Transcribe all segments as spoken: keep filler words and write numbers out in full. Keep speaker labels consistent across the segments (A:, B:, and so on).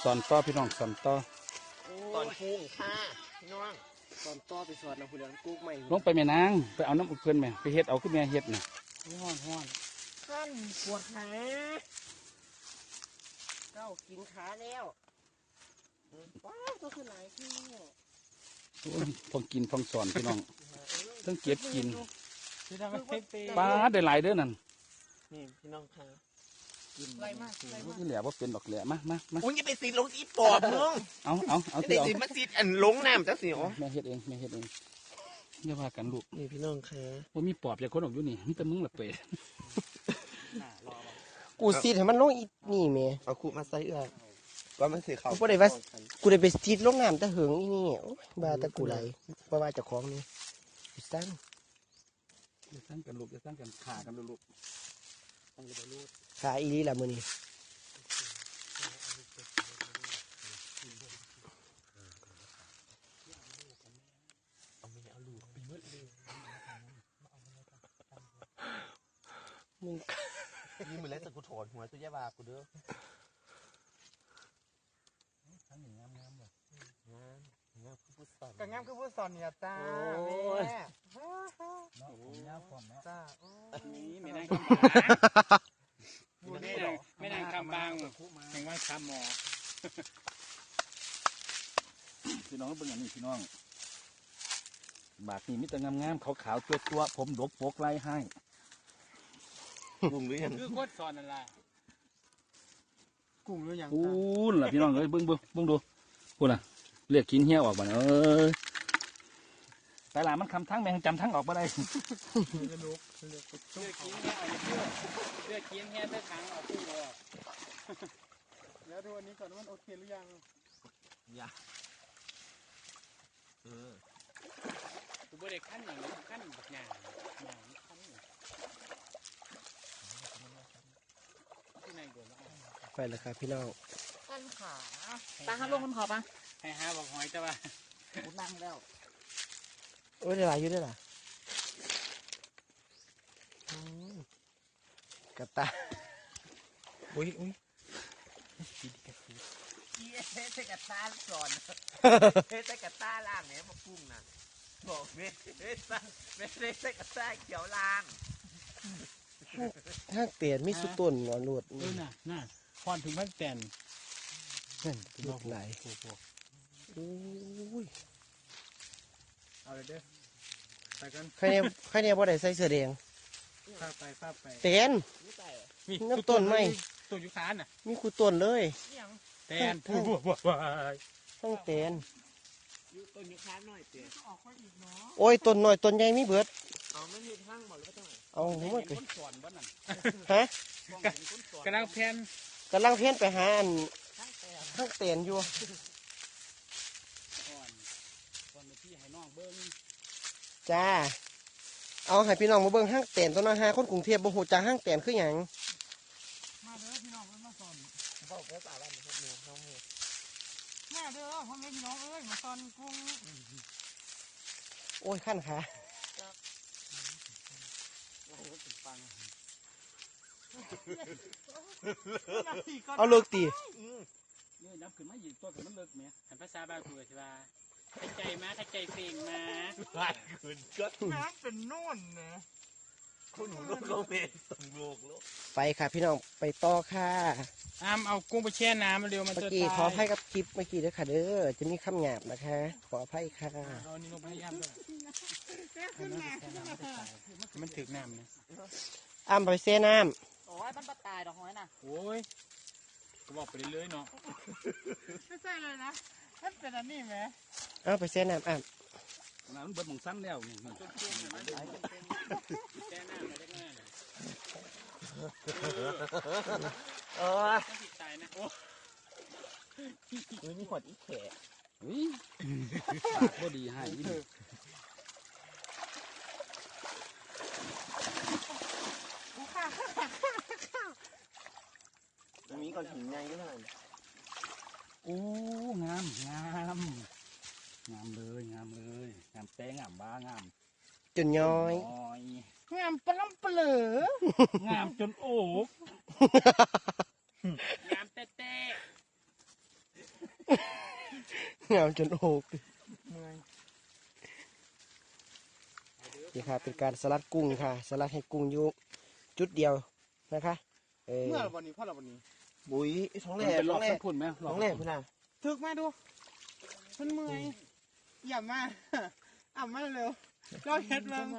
A: สอนต่อพี่น้องสอนต่อ
B: ตอนพุงค่ะพี่น้องตอนต่อไปสอนเราผู้เลี้ยงกุ๊กใหม่
A: ลงไปแม่นางไปเอาน้ำอุกเกินแม่ไปเฮ็ดเอาขึ้นแม่เฮ็ดน่ะ
B: ห้อนห้อนขั้นปวดขาเจ้ากินขาแล้วว้าวก็คือหลายที่
A: พองกินพองสอนพี่น้องต้องเก็บกินป้าได้หลายเด้อนั่น
B: นี่พี่น้องค่ะกินไรมากไรมาก
A: ที่เหลือว่าเป็นดอกเหลือมามามา
B: โอ้ยอย่าไปซีลงอีปอบมึง
A: เอาเอาเอา
B: ที่เอามาซีอันลงน้ำจ้าสิอ๋อ
A: แม่เฮ็ดเองแม่เฮ็ดเองอย่าว่ากันลูก
B: นี่พี่น้องค่ะ
A: ว่ามีปอบอย่างคนออกอยู่นี่มีแต่มึงละเปย์
C: กูซีดให้มันลงอีนี่แม่
B: เอาคูมาใส่เอื้อว่ามันสีขาว
C: กูได้ว่ากูได้ไปซีดลงน้ำตะเหิงอีนี่โอ้ยบาตะกูไหลว่าว่าจะคล้องนี่สร้าง
A: จะสร้างกันลูกจะสร้างกันขากันลูก
C: ขาอีนี่ละมือนี่
B: มึงนี่มือเล็กแต่กูถอนหัวตัวยาบากูเด้อ
A: ทั้งหนึ่งงามงามเลย
B: งามงามคือผู้สอน
D: ก็งามคือผู้สอนเนี่ยจ้าแม่
A: น้องผมยาวพร้อมแล้ว
D: จ้า
A: นี่ไม่ได้ไม่ได้ไม่ได้คำบางแห่งว่าคำหมอพี่น้องเป็นอย่างนี้พี่น้องบาทนี้มิตรงามงามขาวขาวตัวตัวผมดกโปกไล่ให้
B: กุ้งหรือยัง
D: คือโคตรสอนนั่นแหละกุ้งหรือยัง
A: อู้ล่ะพี่น้องเอ้ยเบิ้งเบิ้งเบิ้งดูพูดน่ะเรียกกินเหี้ยออกมาเอ้ยแต่ละมันคำทั้งแมงจำทั้งออกมาได้
D: เลือกลูกเลือกเลือกกินเหี้ยเอาเลือกเลือกกินเหี้ยได้ทั้งเอาตู้เลยแล้วดูอันนี้ก่อนว่ามันโอเคหรือยัง
B: ยังเออ
D: ตัวเด็กขั้นอย่างนี้ขั้นแบบหยาบหยาบขั้น
C: ไปเลยครับพี่น้อง
D: ขั้นขา
B: ตาห้าลงมันขอปะ
D: ให้หาบอกหอยจ้าว่า
B: กูนั่งแล้ว
C: โอ้ยได้หลายอยู่ด้วยล่ะกระตา
B: อุ้ยอุ้ยเฮ้ยใส่กระตาสอนเฮ้ยใส่กระตาล่างเนี่ยมาพุ่งน่ะบอกเฮ้ยเฮ้ยใส่ใส่กระตาเขียวล่าง
C: ห้างเตียนมีสุดต้นหนอนหลวด
D: เออน่ะน่ะพรถึงห้างเตียน
C: นั่นลูกไหลโอ้ย
D: เอาเลยเด้อไปกัน
C: ใครเนี่ยใครเนี่ยบ่ได้ใส่เสื้อแดง
D: ข้าไปข้าไป
C: เตียนมีน้ำต้นไหม
D: ต้นยุคานน่ะ
C: มีคูต้นเลย
D: เตียนผู้บัวบัว
C: ต้องเตียน
B: ต้นยุคานหน่อยเตียน
C: โอ้ยต้นหน่อยต้นใหญ่มีเบิด
B: เอาไม่มีห้างหมดแล้วก็ต้อง
C: เอาหัวไป
D: ฮะกำลังเพี้ยน
C: กำลังเพี้ยนไปหาอันห้างเตียนอยู่จ้าเอาให้พี่น้องมาเบิ่งห้างเตียนตัวน้อยหาคนกรุงเทพบ่ฮู้จักห้างเตียนคือหยัง
D: มาเด้อพี่น้องมาสอน
B: พ่อแม่สาวบ้านพวกหนูน้องหนู
D: มาเด้อพ่อแม่พี่น้องเอ้ยมาสอนกุ้ง
C: โอ้ยขั้นขาเอาเลิกตี
D: เนี่ยนับขึ้นมาหยิบตัวกับมันเลิกไหมหันภาษาบาคุยใช่ป่ะขใจมาขใจเป่งมา
B: ไล่ขึ้นก็
D: น้ำเป็นโน่นนะ
B: คุณหนูลูกโลเมส่งลูกลูก
C: ไปค่ะพี่น้องไปต่อค่ะ
D: อ้ามเอากุ้งไปแช่น้ำมาเร็วมันจะตาย
C: เมื่อกี้ขอให้กับคลิปเมื่อกี้ด้วยค่ะเด้อจะมีคำหยาบนะคะขออภัยค่ะ
D: เอานี่ลงไปอ้ามด้วยมันถึกน้ำนะ
C: อ้ามไปเซ่น้
B: ำโอ้ยมันปลาตายดอกหอยน่ะ
D: โอ้ยก็บอกไปเรื่อยๆเนาะไม่ใช่เลยนะมันเป็นอันนี้ไหม
C: เอาไปเซ่น้ำอ้าม
A: น้ำเบิดมองสั้นแล้วนี่
D: ต้นเตี้ยมันแช่น้ำมาได้ง่ายเลย
B: โอ้ย
D: ติดตายนะโอ้
B: ยมีขวดอีแขก
A: อุ้ยพอดีให้ยิ่ง
B: มีก่อนถึงไงก็ได้
A: โอ้งามงามงามเลยงามเลยงามแต้งามบ้างาม
C: จนย้อย
D: งามปล้ำเปลืองามจนโอกงามเต้เต้
C: งามจนโอก
D: เมื่อย
C: นี่ค่ะเป็นการสลัดกุ้งค่ะสลัดให้กุ้งอยู่จุดเดียวนะคะเออ
D: เมื่อวันนี้พ่อเราวันนี้
C: บุ๋ยท้อง
A: มั
C: แหล่
A: นเป็นหล
C: ท้
A: อ
C: อก งแหล่
A: สักพุ่นไหมหล
C: ท้
A: อ
C: อก งแหล่พี่น่ะ
D: ถึกมาดูมันเมื่อยอย่ามาอ่ำมาเร็วเราเฮ็ดเบิ่ง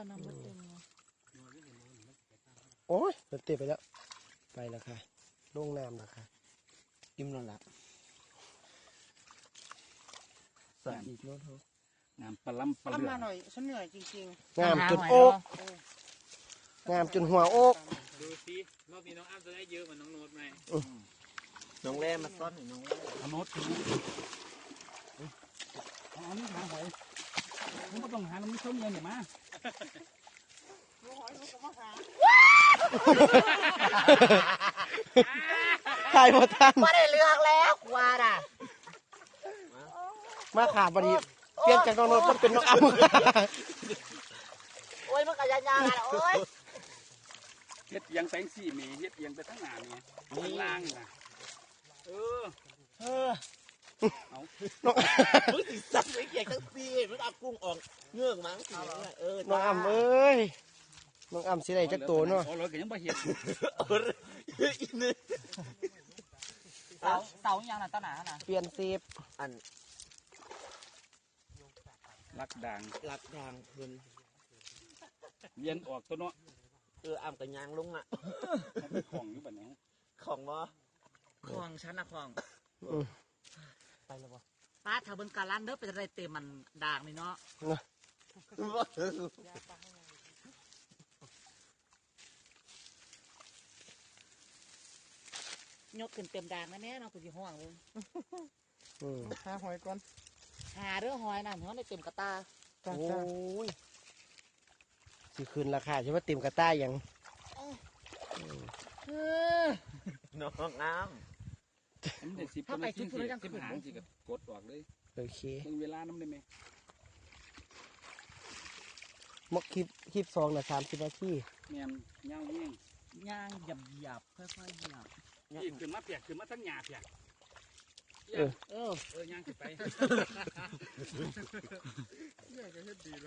C: โอ้ยมันเตะไปแล้วไปแล้วค่ะลงน้ำแล้วค่ะอิ่มนอนหลับสาอีกโน้ต
A: งามปลาล้ำปลา
D: อ่ำ
A: เลือ
D: มาหน่อยฉันเหนื่อยจริง
C: งามจนโอกงามจนหัวโอก
E: ดูสิรอบนี้น้องอ้ำจะได้เยอะเหมือนน้องโน้ตไหม
B: น้องแร่มาซ่อนหน่อยน้องแร่
A: เอาโน้ตเอาอันนี้หาหอยมึงก็ต้องหาน้ำมันส้มเงินเนี่ยมา
D: ๆรู้หอยรู้ก็มาหา
C: ตายหมดท่าน
B: ไม่ได้เลือกแล้วกว่าน่ะ
C: มาขาดพอดีเปลี่ยนจากน้องโน้ตมันเป็นน้องอ้ำ
B: โอ้ยมันก็ยางๆอ่ะโอ้ย
A: เฮ็ดเอียังแสงสีเมเฮ็ดเอียังไปทั้งหน้าเนี่ยข้างล่างน่ะเออ
B: เออ
A: เอา
C: น้อง
B: มึงสิสั่งไม่เกี่ยงทั้งสี่มึงเอากุ้งออกเงือกมั้งสิเออ
C: น้องอ้ำเอ้ยน้องอ้ำสิได้จักโตเนาะ
A: โอ้เราก็ยังบ่เฮ็ด
B: อีนึง
E: เสาเสาอย่างน่ะต้นหนาน่ะ
C: เปลี่ยนเซฟ
B: อัน
A: ลักด่าง
B: หลักทางเพิ่น
A: เวียนออกตัวเนาะ
B: เอออ่ำกับยางลงอ่ะ
A: มันเป็นของอยู่บัดนี้
B: ของบ่
E: คลองชั้นนะคลอง
C: อืม
E: ป้าถ้าเบิ่งการันเด้อเป็นอะไรเต็มมันด่างนี่เนาะยกขึ้นเต็มด่างแน่ๆเนาะกูสิห้องเลย
C: อืม
D: หาหอยก่อน
E: หาเด้อหอยน่ะเนาะได้เต็มกระตา
D: จ้า
C: โอ้
D: จ้าย
C: สิคืนราคาใช่ไหมเต็มกระต้ายยัง
B: น้องอ้ำ
A: มันได้สิบนาทีสิสิบหางสิก็กดออกเลย
C: โอเค
A: เบิ่งเวลาน้ำได้ไหม
C: มกคลิปคลิปสองนะสามสิบนาที
A: แม่นเงาแง่ง
E: ย่างหยับหยับๆค่อยๆหยับ
A: อีกขึ้นมาเปียกขึ้นมาทั้งหญ้าเปียก
C: เออ
E: เออ
A: เออย่างขึ้นไป
D: เนี่ยก็เฮ็ดดีเลย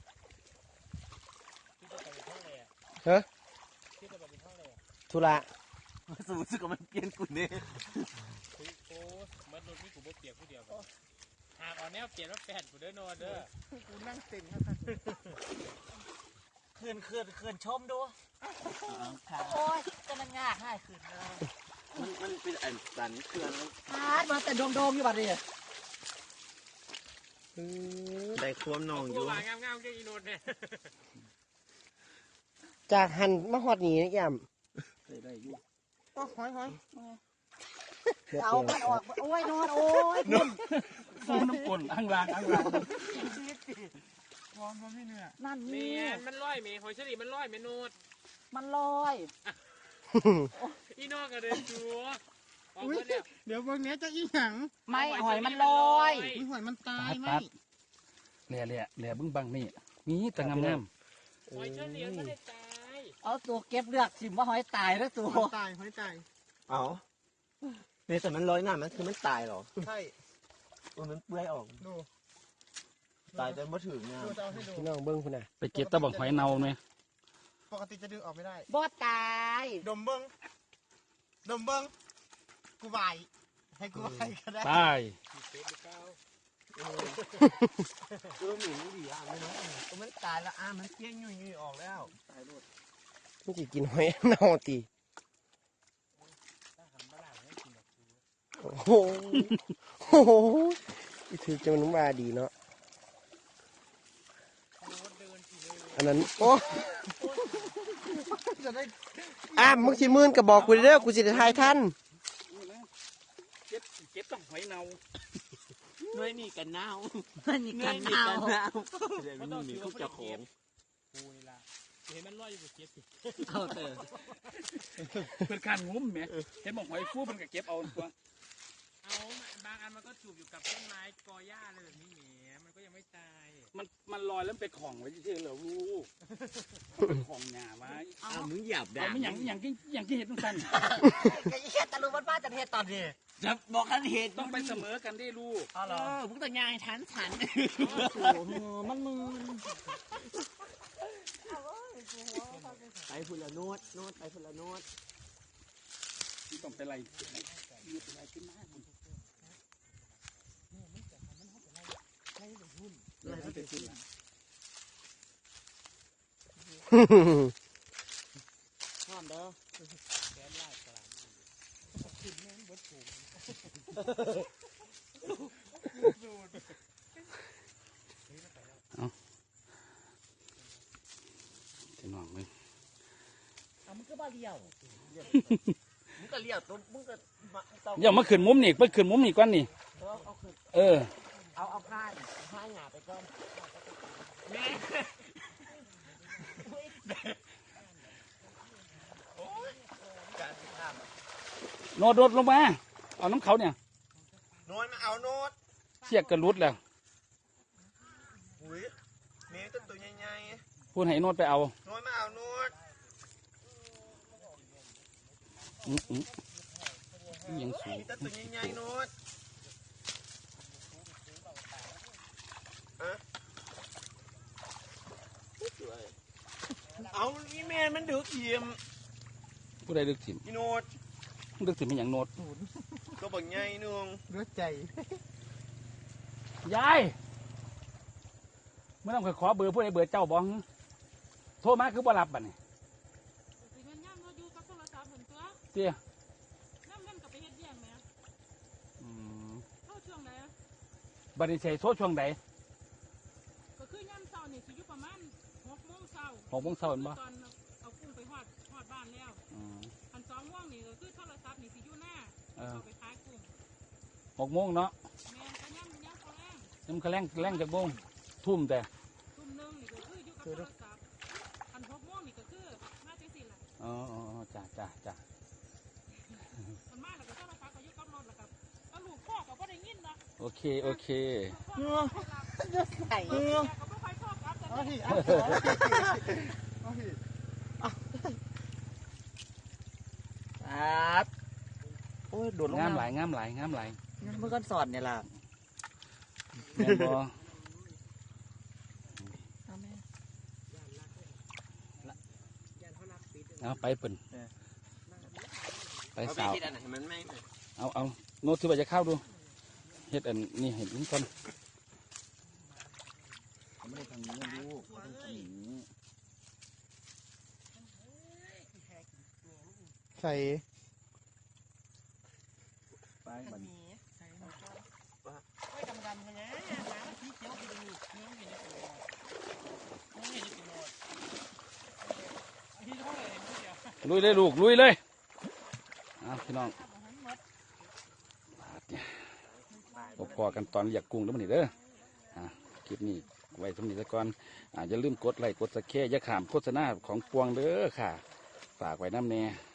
C: ฮะธุระ
B: สูงสึกว่ามันเปลี่ยนกูเนี่ย
E: โอ้มันโดนนี่กูบ่เปียกผู้เดียวกันหากเอาแนวเปลี่ยนว่าแปดกูเด้อนอนเด้อ
D: กูนั่งเต็มครับ
E: คืนคืนคืนชมดูโอ้ยจะมันยากให้คืนเลย
B: มันมันเป็นอันสันเครื่องแล้ว
E: พาดมาแต่โดงๆอยู่บัดนี้
C: อืม
B: ได้ความนองอยู่
E: วางงามๆแค่อีโนดเนี่ย
C: จากหันมาฮอดนี่ย่ำ
A: ได้ได้อยู่
D: โอ้หอยหอย
C: เดี๋ยว
E: เอา
C: เปลี่
E: มั
C: ย
E: นออกโอ้ยนอนโอ้ย
A: ฟูน้ำกลนอ่างลางอ่างลาง
D: วอนมันพี่เหนื่อย
E: นั่น
F: เมี
E: นี่
F: ยมันลอยเมียหอยเฉลี่มันลอยเมนูด
E: มันลอย
F: อีนอกกระเด็นจัวออกมาเนี่ย
D: เดี๋ยวเบิ่งเนี้ยจะอีหยัง
E: ไม่หอยมันลอย
D: อุ้ยหอยมันตา
A: ตั
D: ย
A: ด
D: ไหม
A: ตัดแหล่แหล่แหล่เบึ้งบังนี่มีแต่งามงาม
F: หอยเฉลี่ไม่ได้ตาย
E: เอาตัวเก็บเลือกสิว่าหอยตายแล้วตัว
D: หอยตายหอยตาย
B: เอาเนี่ยแต่มันลอยหน้ามันคือมันตายเหรอ
D: ใช่
B: มันเปื่อยออก
D: ดู
B: ตายจนมาถึงเนี่ย
D: ดูจะเอาให้ดู
C: พี่น้องเบิ้งคุณน่ะ
A: ไปเก็บตะบักหอยเน่าไหม
D: ปกติจะดึงออกไม่ได้
E: บ่ตาย
D: ดมเบิ้งดมเบิ้งกูไหวให้กูไหวก็ได้
A: ตาย
B: เออหนูดีอ่ะไม่รู้มันตายแล้วอ่ะมันเกี้ยงยุ่ยยุ่ยออกแล้ว
C: มันสิกินหอยเน่าตีโอ้โหโอ้โหอีถือจะมันว่าดีเนาะอันนั้นโอ้
D: จะได้
C: อ้ามมึงสิมื่นก็บอกกูเด้อกูสิได้ทายท่าน
A: นี่นะเก็บเก็บต้องหอยเน่า
B: หน่วยนี่กันหนาว
E: มันนี่
B: หน่ว
E: กั
B: ย
E: น
B: นี่
E: เอา
B: กันหนาวเดี๋ยวมันมีคู่เจ้าของ
F: กูนี่ละเห็นมันลอยอยู่บนเก็บสิ
E: เอาเถอะ
A: เพื่อนการงุ้มไหมเห็นบอกหอยฟูมันก็เก็บเอาตัว
F: เอาบ
E: างอันมันก็จูบอยู่กับต้นไม้กอหญ้าอะไรแบบนี้แหมมันก็ยังไม่ตาย
A: มันมันลอยแล้วไปของไว้เฉยๆเหรอลูกของหยาไว้
B: อ้าวมึงหยาบด่า
A: เอาไม่อย่างอย่างที่อย่างที่เห็นต้องสั่น
C: ไอ้เหี้ยตะลุมันบ้าจะเฮ็ดตอนนี้
B: จะบอกกันเหตุ
A: ต้องไปเสมอกันได้ลูก
C: อ๋อเหร
B: เอ
C: อ
B: อมึงต้องยางฉันฉัน
C: มันมือไปพุ่นละโนดโนดไปพุ่นละโนด
A: ต้องไปไล่ยืดไปไล่ขึ้นมา
C: พร้อมเด้อ
A: พี่น้องเลย
C: เอามึงก็บ้าเลี้ยวมึงก็เลี้ยวตัวมึงก็มาต้อง
A: อย่ามาขึ้นมุมนี่ไปขึ้นมุมนี่ก่อนนี่
C: เอาเอาขึ้น
A: เออ
C: เอาเอาผ้าผ้าหยาไปก่อน
B: การท
A: โนดโดดลงมาเอาน้ำเขาเนี่ย
B: ำโน้ตมาเอาโน้ต
A: เสียกกระลุดแล้ว
B: อุ้ยเมย์ต้นตัวใหญ่
A: พูดให้โนดไปเอา
B: ๆโน้ตมาเอาโน้ต
A: อืมอืมอิหยังสูง
B: มีต้นตัวใหญ่ๆโน้ตเอานี่แม่มันดึกเยี่ยม
A: ผู้ใดดึกถิ่ม
B: พี่โน้ต
A: ดึกถิ่มเป็นอย่างโนด
B: ก็บอกใหญ่นึง
C: รู้ใจ
A: ยายเมื่อต้องขอเบอร์ผู้ใดเบอร์เจ้าบ้องโทรมาคือบ่รับบัดนี่
F: สิมันย่ำเราอยู่กับโทรศัพท์เหมือนตัว
A: เตี้ย
F: น้ำมันกับไปเฮ็ดเบี้ยงแหม่
A: อืม
F: เข้าช่วงไหน
A: บัดนี้ใส่โทรช่วงใด
F: ก็คือย่ำเช้านี่สิอยู่ประมาณหกโมงเช้า
A: หกโมงเช้าเห็นบ่
F: ตอนเอากุ้งไปฮอดฮอดบ้านแล้ว
A: อืม
F: อันสองโมงนี่ก็คือโทรศัพท์นี่สิอยู่หน้า
A: เออ
F: เอาไปขายกุ้ง
A: หกโมงเนาะ
F: แม่นก็ย่ำย่ำเขาแรง
A: น้ำกระแรงแรงจากโมงทุ่มแต่
F: ทุ่มหนึงนี่ก็คืออยู่กับโทรศัพท์อันหกโมงนี่ก็คือมาจังซี่ล่ะ
A: อ๋ออ๋ออ๋อจ้าจ้าจ้า
F: มันมาแล้วก็โทรศัพท์ก็อยู่กับรถแล้วก็ก็ลูกพ่อก็บ่ได้ยินเนาะ
A: โอเคโอเค
F: พ่อก็บ่ได้รับ
C: ใส่
F: เออก็บ่ค่อยโทรกลับแต่
D: เอา
F: นี่
D: พี่เอาเอาพี่
C: ครับโอ้ยโดดลง
A: งาม
C: น้ำ
A: หลายงามหลายงามหลาย
C: เมื่อก่อนสอนเนี่ยล่ะ
A: แม่นบ่เอาไปเปิ่นไป
B: เอาไป
A: สาว
B: ที่อันไหนมันไม่
A: เอาเอาโน้ตที่ว่าจะเข้าดูเฮ็ดอันนี่เห็นก่อนไม่ได้ทางนี้ลูกทางนี้
D: ใส่
A: ไปบัด
C: ไม่ดำดำนะหมาสีเขียวไปดู
A: ลุยเลยลูกลุยเลยเอาพี่น้องพบพอกันตอนเรียกกุ้งแล้วมันนี่เด้ออ่ะคลิปนี้ไว้สำนีซะก่อนอ่าอย่าลืมกดไลค์กดสักแค่อย่าขามโฆษณาของปวงเด้อค่ะ ฝากไว้น้ำแน่